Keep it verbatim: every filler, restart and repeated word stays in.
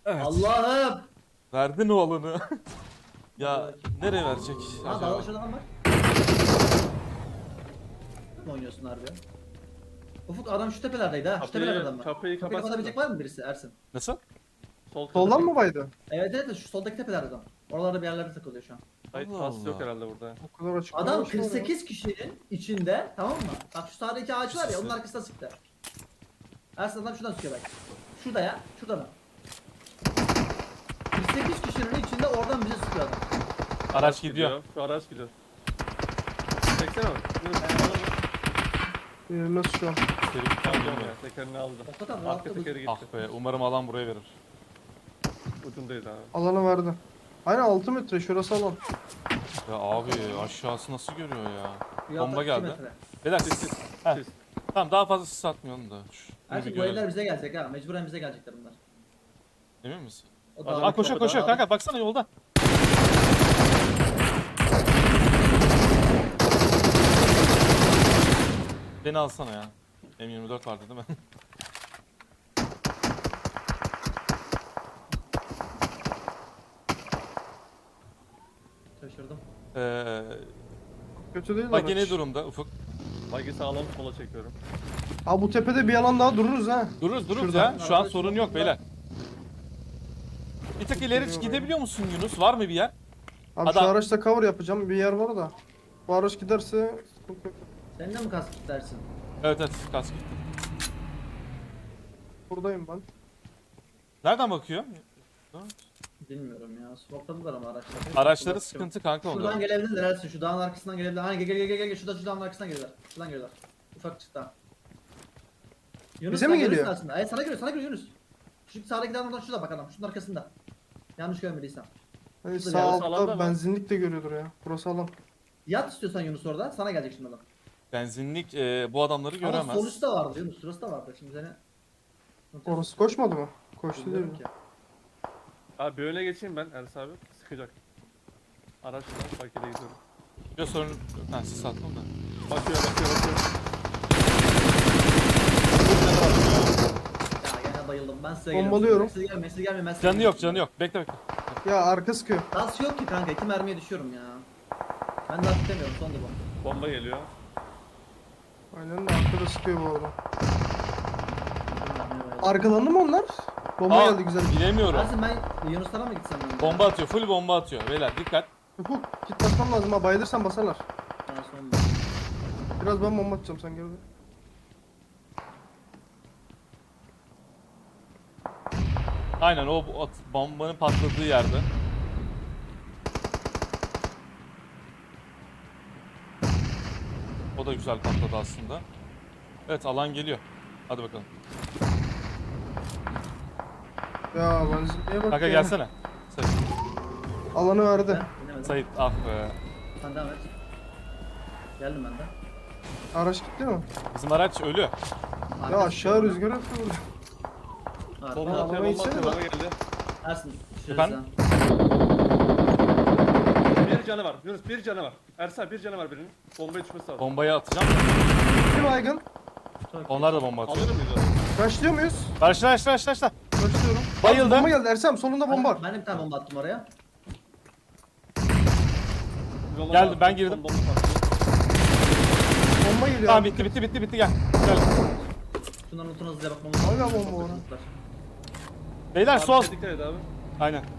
Evet. Allah'ım. Verdin o alanı. Ya nereye verecek Ha acaba? dağda şurada adam var. Ne oynuyorsun harbi? Ufuk adam şu tepelerdeydi ha. Şu Kapıyı- tepelerde adam var. kapıyı Kapıyı kapatsana. kapatabilecek var mı birisi Ersin? Nasıl? Sol Soldan mı baydı? Evet evet şu soldaki tepelerde adam. Oralarda bir yerlerde takılıyor şu an. Hayır, Allah pas yok Allah. herhalde burada. O kadar açık. Adam kalmış mı oraya? kırk sekiz kişinin içinde, tamam mı? Bak şu sağdaki ağaç var ya onun arkasına sıktı. Ersin adam şuradan sıkıyor bak. Şurada ya, şurada mı? kırk sekiz kişinin içinde oradan bize sıkıyor adam. Araç gidiyor. Şu araç gidiyor. Çeksene bak. Yunus, Ee, nasıl şu an? Geri gitti, Tamam bilmiyorum. ya, tekerini aldı. Hakikaten Arka rahatladı. tekeri gitti. Ah be, umarım alan buraya verir. Ucundaydı abi. Alanı verdi. Aynen altı metre şurası alan. Ya abi aşağısı nasıl görüyor ya? Bir Bomba altta iki geldi. metre. Beyler Siz siz. siz. Heh. Siz. Tamam daha fazla sis atmayalım da. Şu, bunu bir Ersin bu görelim. eller bize gelecek ha. Mecburen bize gelecekler bunlar. Emin misin? O Adam- dağ- Aa koşuyor koşuyor dağ- kanka baksana yolda. Beni alsana ya. M yirmi dört vardı değil mi? Şaşırdım. Eee Kötü değil bak araç. ne durumda Ufuk? Bagi sağlam sola çekiyorum. Abi bu tepede bir alan daha dururuz ha. Dururuz dururuz Şurada. ya. Şu an Arada sorun şurada. yok beyler. Bir tık ileri gidebiliyor musun Yunus? Var mı bir yer? Abi Adam- şu araçta cover yapacağım. Bir yer var da. Bu araç giderse sıkıntı yok. Senin de mi kask dersin? Evet evet kask gitti. Buradayım ben. Nereden bakıyor? Bilmiyorum ya. Smokladılar ama araçları. Araçları sıkıntı kanka Şuradan onda. gelebilirler Ersin. Şu dağın arkasından gelebilirler. Hani gel gel gel gel. Şurada şu dağın arkasından gelirler. Şuradan gelirler. Ufak çıktı. Yunus Bize sen mi görürsün geliyor? Aslında. Evet sana geliyor sana geliyor Yunus. Şu sağdaki dağın oradan şurada bak adam. Şunun arkasında. Yanlış görmediysem. Hani Şurada sağ bir arası alanda altta mı? benzinlik de görüyordur ya. Burası alan. Yat istiyorsan Yunus orada. Sana gelecek şimdi adam. Benzinlik e, bu adamları Ama göremez. sol üstte vardı Yunus. Şurası da vardı. Şimdi seni... Orası koşmadı mı? Koştu değil Bilmiyorum mi? ki. Abi bir öne geçeyim ben Ersin abi. Sıkacak. Araçla Bagi'de gidiyorum. Bir sorun yok. Ha sis attım da. Bakıyor bakıyor bakıyor. Ya gene bayıldım. Ben size Bombalıyorum. Size gelmeyin. Size gelmeyin. Ben size Canı gelmeyin. yok canı yok. Bekle bekle. Ya arka sıkıyor. Gaz yok ki kanka. İki mermiye düşüyorum ya. Ben de atlamıyorum. Son da bomba. Bomba geliyor. Aynen de arkada sıkıyor bu arada. Bilmiyorum. Arkalandı mı onlar? Bomba Aa, geldi güzel. Bilemiyorum. Ersin ben Yunuslara mı gitsem ben? Bomba atıyor. Full bomba atıyor. Beyler dikkat. Ufuk git basmam lazım ha. Bayılırsan basarlar. Ha, son da. Biraz ben bomba atacağım sen geride. Aynen o bu at- bombanın patladığı yerde. O da güzel patladı aslında. Evet alan geliyor. Hadi bakalım. Ya benzinliğe bak Kanka ya. gelsene. Sait. Alanı verdi. Ben binemedim. Sait ah be. Sen devam et. Geldim ben de. Araç gitti mi? Bizim araç ölü. Ya Arkası aşağı sonra. rüzgar atıyor burada. Arka- Bomba Ben atıyor arabayı bomba atıyor. içsene Bomba geldi. Ersin. düşürürüz Efendim? ha. Bir canı var. Yunus bir canı var. Ersin abi bir canı var birinin. Bombaya düşmesi lazım. Bombayı atacağım. Bir baygın. Çok iyi. Onlar da bomba atıyor. Alır mıyız onu? Başlıyor muyuz? Başla başla başla başla. Başlıyorum. Bayıldı. Bomba geldi Ersem sonunda bomba var. Ben de bir tane bomba attım oraya. Yola Geldim, bak, ben girdim. bomba patlıyor. Bomba geliyor. Tamam abi. bitti bitti bitti bitti gel. Gel. Şunların notuna hızlıca bakmamız Hala lazım. bomba var. Beyler Abi sol. dikkat et abi. Aynen.